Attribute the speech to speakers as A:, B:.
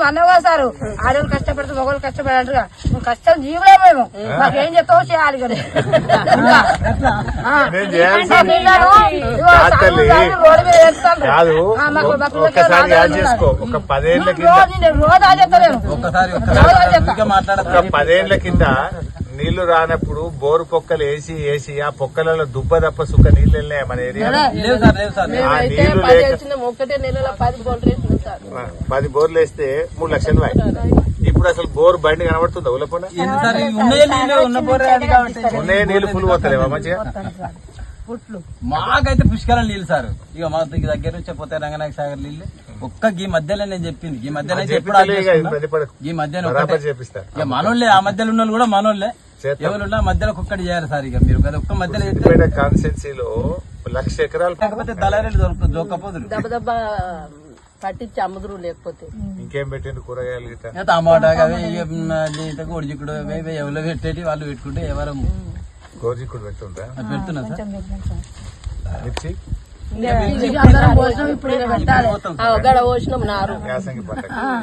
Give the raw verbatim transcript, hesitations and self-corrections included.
A: అన్నావు కదా సారు ఆడవాళ్ళు కష్టపడితే మగవాళ్ళు కష్టపడారు నువ్వు కష్టం జీవులే మేము మాకు ఏం చెప్తావో చేయాలి కదా రోడ్డు మీద వేస్తాను రోజు ఆచేస్తలేను
B: పదేళ్ల కింద నీళ్లు రానప్పుడు బోరు పొక్కలు వేసి వేసి ఆ పొక్కలలో దుబ్బ తప్ప సుక్క నీళ్లు వెళ్ళినాయి మన ఏరియా పది బోర్లు వేస్తే మూడు లక్షలు ఇప్పుడు అసలు బోర్ బండి కనబడుతుందా ఉల్లపొన్న ఉన్నాయే నీళ్లు ఫుల్ పోతలేవా మంచిగా
C: మాకైతే పుష్కరం నీళ్ళు సార్ ఇక మా దగ్గర నుంచి పోతే రంగనాయక సాగర్ నీళ్ళు ఒక్క ఈ మధ్యలో నేను చెప్పింది ఈ మధ్యలో ఈ మధ్యలో ఇక మనోళ్ళే ఆ మధ్యలో ఉన్న కూడా మనోళ్ళే ఎవరున్నా మధ్యలో ఒక్కటి చేయాలి సార్ ఇక మీరు ఒక్క మధ్యలో
B: కాన్స్టెన్సీలో లక్ష ఎకరాలు
C: కాకపోతే దళారీలు దొరుకుతుంది దొరకపోతుంది
D: దెబ్బ దెబ్బ పట్టించి అమ్ముదురు లేకపోతే
B: ఇంకేం పెట్టింది కూరగాయలు
C: టమాటా అవి కోడిచిక్కుడు ఎవరు పెట్టేటి వాళ్ళు పెట్టుకుంటే ఎవరు
B: గోజిక్కుడు పెడుతుందా
C: పెడుతున్నా సార్
B: మిర్చి
A: ఇప్పుడు
D: పోసినాం నారు
B: యాసంగి పంట